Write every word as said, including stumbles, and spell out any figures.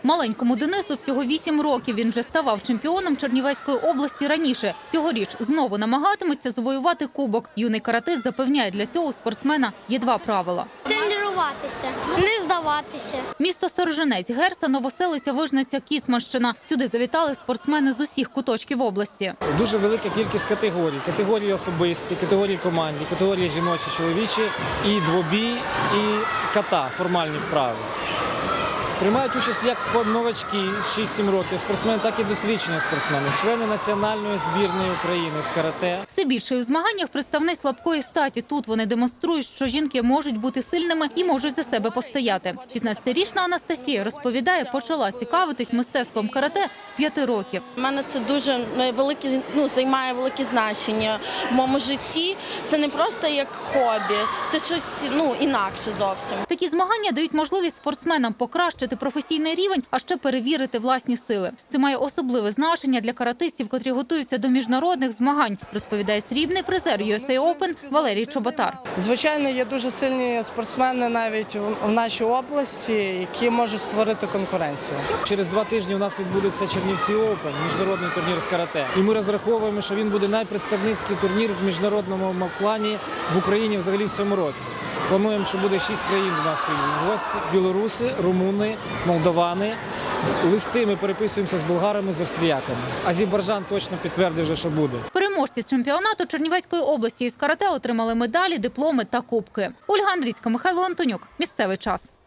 Маленькому Денису всього вісім років. Він вже ставав чемпіоном Чернівецької області раніше. Цьогоріч знову намагатиметься завоювати кубок. Юний каратист запевняє, для цього у спортсмена є два правила. Тренуватися, не здаватися. Місто Сторожинець, Герца, Новоселиця, Вижниця, Кіцманщина. Сюди завітали спортсмени з усіх куточків області. Дуже велика кількість категорій. Категорії особисті, категорії командні, категорії жіночі, чоловічі, і двобій, і ката, формальні вправи. Приймають участь як новачки шість-сім років спортсмени, так і досвідчені спортсмени, члени національної збірної України з карате. Все більше у змаганнях представниць слабкої статі. Тут вони демонструють, що жінки можуть бути сильними і можуть за себе постояти. шістнадцятирічна Анастасія розповідає, почала цікавитись мистецтвом карате з п'яти років. У мене це дуже велике, ну, займає велике значення в моєму житті. Це не просто як хобі, це щось ну, інакше зовсім. Такі змагання дають можливість спортсменам покращити професійний рівень, а ще перевірити власні сили. Це має особливе значення для каратистів, котрі готуються до міжнародних змагань, розповідає срібний призер ю ес ей Open Валерій Чоботар. Звичайно, є дуже сильні спортсмени навіть в нашій області, які можуть створити конкуренцію. Через два тижні у нас відбудеться Чернівці Open, міжнародний турнір з карате. І ми розраховуємо, що він буде найпредставницький турнір в міжнародному плані в Україні взагалі в цьому році. Плануємо, що буде шість країн до нас приїдуть гості: білоруси, румуни, молдовани. Листи ми переписуємося з болгарами, з австріяками. Азербайджан точно підтвердив вже, що буде. Переможці чемпіонату Чернівецької області із карате отримали медалі, дипломи та кубки. Ольга Андрійська, Михайло Антонюк. Місцевий час.